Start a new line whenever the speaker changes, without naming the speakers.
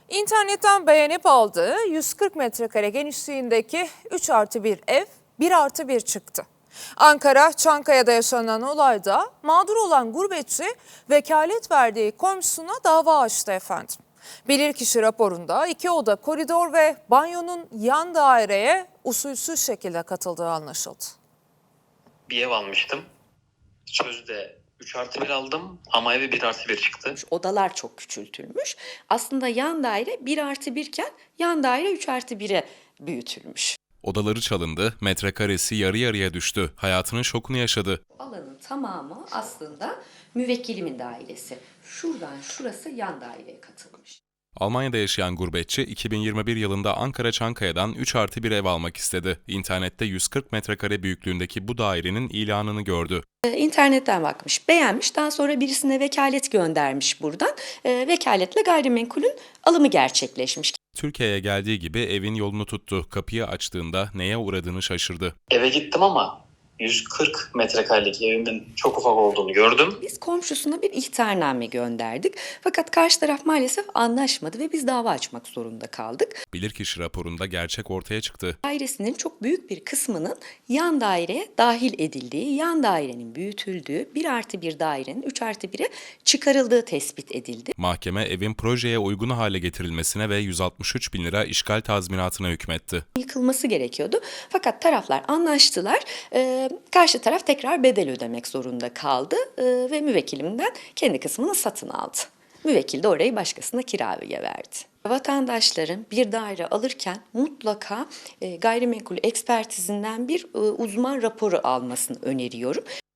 İnternetten beğenip aldığı 140 metrekare genişliğindeki 3+1 ev 1+1 çıktı. Ankara Çankaya'da yaşanan olayda mağdur olan gurbetçi vekalet verdiği komşusuna dava açtı efendim. Bilirkişi raporunda 2 oda, koridor ve banyonun yan daireye usulsüz şekilde katıldığı anlaşıldı.
Bir ev almıştım. Sözde 3+1 aldım ama evi 1+1 çıktı.
Odalar çok küçültülmüş. Aslında yan daire 1+1 iken yan daire 3+1'e büyütülmüş.
Odaları çalındı, metrekaresi yarı yarıya düştü. Hayatının şokunu yaşadı.
Alanın tamamı aslında müvekkilimin dairesi. Şuradan şurası yan daireye katılmış.
Almanya'da yaşayan gurbetçi 2021 yılında Ankara Çankaya'dan 3+1 ev almak istedi. İnternette 140 metrekare büyüklüğündeki bu dairenin ilanını gördü.
İnternetten bakmış, beğenmiş. Daha sonra birisine vekalet göndermiş buradan. Vekaletle gayrimenkulün alımı gerçekleşmiş.
Türkiye'ye geldiği gibi evin yolunu tuttu. Kapıyı açtığında neye uğradığını şaşırdı.
Eve gittim ama 140 metrekarelik evimin çok ufak olduğunu gördüm.
Biz komşusuna bir ihtarname gönderdik. Fakat karşı taraf maalesef anlaşmadı ve biz dava açmak zorunda kaldık.
Bilirkişi raporunda gerçek ortaya çıktı.
Dairesinin çok büyük bir kısmının yan daireye dahil edildiği, yan dairenin büyütüldüğü, 1+1 dairenin 3+1'e çıkarıldığı tespit edildi.
Mahkeme evin projeye uygun hale getirilmesine ve 163 bin lira işgal tazminatına hükmetti.
Yıkılması gerekiyordu. Fakat taraflar anlaştılar. Karşı taraf tekrar bedel ödemek zorunda kaldı ve müvekkilimden kendi kısmını satın aldı. Müvekkil de orayı başkasına kiraya verdi. Vatandaşların bir daire alırken mutlaka gayrimenkul ekspertizinden bir uzman raporu almasını öneriyorum.